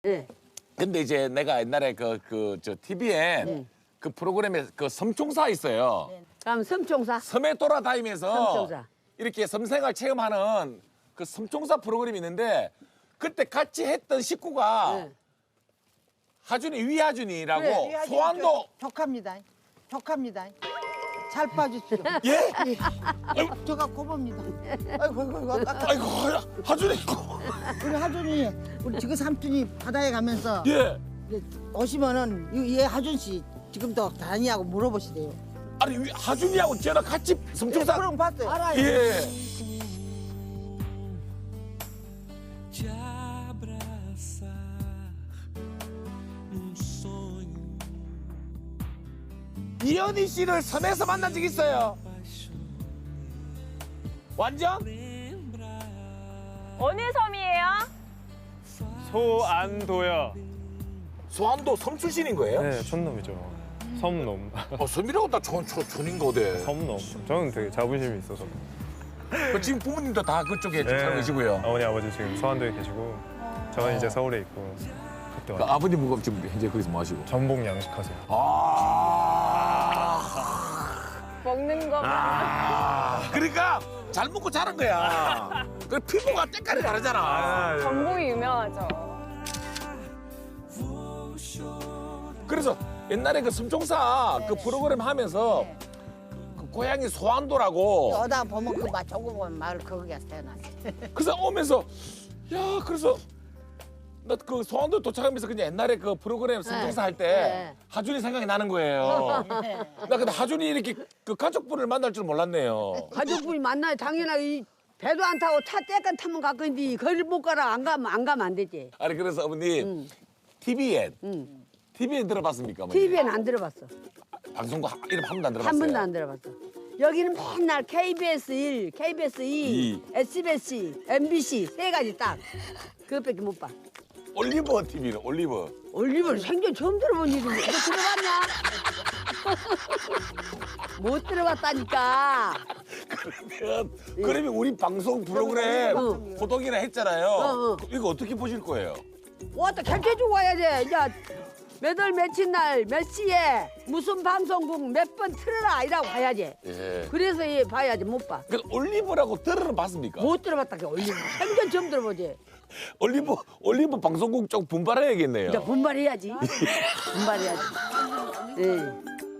네. 근데 이제 내가 옛날에 저 TVN 그 프로그램에 그 섬총사 있어요. 그럼 섬총사. 섬에 돌아다니면서 섬총사. 이렇게 섬생활 체험하는 그 섬총사 프로그램이 있는데 그때 같이 했던 식구가 네. 하준이 위하준이라고 그래, 소환도 족합니다. 족합니다. 잘 봐주십시오. 예? 제가 고봅니다. 아이고, 아이고 하준이 우리 하준이, 우리 지금 삼촌이 바다에 가면서 예. 오시면은 얘 하준 씨 지금도 다니냐고 물어보시대요. 아니 하준이하고 저랑 같이 섬총사 그럼 봤어요. 알아요. 예. Te abraçar num sonho 이현희 씨를 섬에서 만난 적 있어요. 완전? 어느 섬이에요? 소안도요. 소환도 섬 출신인 거예요? 네, 촌놈이죠. 섬놈. 섬이라고 다 촌인 거대. 섬놈. 저는 되게 자부심이 있어서. 지금 부모님도 다 그쪽에 살고 네. 계시고요. 어머니 아버지 지금 서안도에 계시고 저는 이제 서울에 있고 그때 그 와서 아버님 지금 현재 거기서 뭐 하시고? 전복 양식하세요. 먹는 거. 그러니까 잘 먹고 자란 거야. 그 피부가 때깔이 다르잖아. 전복이 유명하죠. 그래서 옛날에 그 섬총사 그 프로그램 하면서 그 고향이 소안도라고 여다 보면 그 조그만 마을 거기가 태어났어요. 그래서 오면서 야 그래서 나 그 소안도 도착하면서 그냥 옛날에 그 프로그램 섬총사 할 때 네. 하준이 생각이 나는 거예요. 나 근데 하준이 이렇게 그 가족분을 만날 줄 몰랐네요. 가족분이 만나야 당연하게 이 배도 안 타고 차 떼깐 타면 갈 건데 거리를 못 가라 안 가면 안 되지. 아니 그래서 어머님 TVN TVN 들어봤습니까? 어머니? TV엔 안 들어봤어. 방송국 이름 한 번도 안 들어봤어요. 한 번도 안 들어봤어. 여기는 맨날 KBS 1, KBS 2, SBS, MBC 세 가지 딱. 그것밖에 못 봐. 올리버 TV는 올리버. 올리브를 생전 처음 들어본 일인데 너 들어봤냐? 못 들어봤다니까. 그러면 우리 방송 프로그램 어. 호동이나 했잖아요. 어. 이거 어떻게 보실 거예요? 왔다 결제주고 와야 돼. 이제 몇 월 며칠 날 몇 시에 무슨 방송국 몇 번 틀어라 이라고 봐야지. 예. 그래서 얘 봐야지 못 봐. 그 올리버라고 들어는 봤습니까? 못 들어봤다 그 올리브. 생전 처음 들어보지. 올리버 방송국 쪽 분발해야겠네요. 이제 분발해야지. 분발해야지. 예.